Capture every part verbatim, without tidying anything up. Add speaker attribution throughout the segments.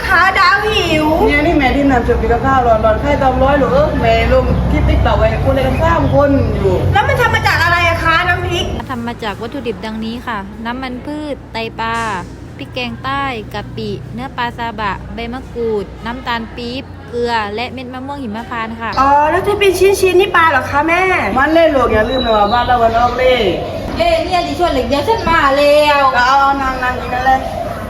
Speaker 1: คะดาวหิว
Speaker 2: เนี่ยนี่แม่ที่นำจุดกินข้าวร้อนๆไข่ตอมร้อยหรือเออแม่ลงคลิปติ๊กต็อกไว้คนเลยกันข้ามคนอยู่
Speaker 1: แล้วมันทำมาจากอะไรอะคะน้ำพริก
Speaker 3: ทำมาจากวัตถุดิบดังนี้ค่ะ น้ำมันพืช ไตปลา พริกแกงใต้ กะปิ เนื้อปลาซาบะ ใบมะกรูด น้ำตาลปี๊บ เกลือ และเม็ดมะม่วงหิมพานต์ค่ะ
Speaker 1: อ๋อแล้วที่เป็นชิ้นๆนี่ปลาเหรอคะแม่
Speaker 2: มันเล่นลูกอย่าลืมนะว่าบ้านเราวันออกเล่
Speaker 3: เล่เนี่ยดิชวนเหล็กเดียวฉันมาแล้ว
Speaker 2: ก็เอานางนางกินนั่นเลย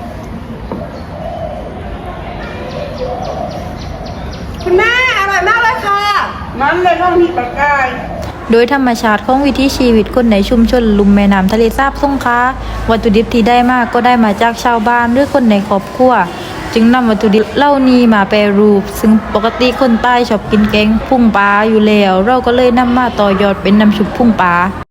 Speaker 1: คุณแม่อร่อยมากเลยค่ะ
Speaker 2: มันเลยต้องมีปลากาย
Speaker 3: โดยธรรมชาติของวิถีชีวิตคนในชุมชนลุ่มแม่น้ำทะเลสาบสงขลาวัตถุดิบที่ได้มากก็ได้มาจากชาวบ้านหรือคนในครอบครัวจึงนำวัตถุดิบเหล่านี้มาแปรรูปซึ่งปกติคนใต้ชอบกินแกงพุ่งปลาอยู่แล้วเราก็เลยนำมาต่อยอดเป็นน้ำชุบพุ่งปลา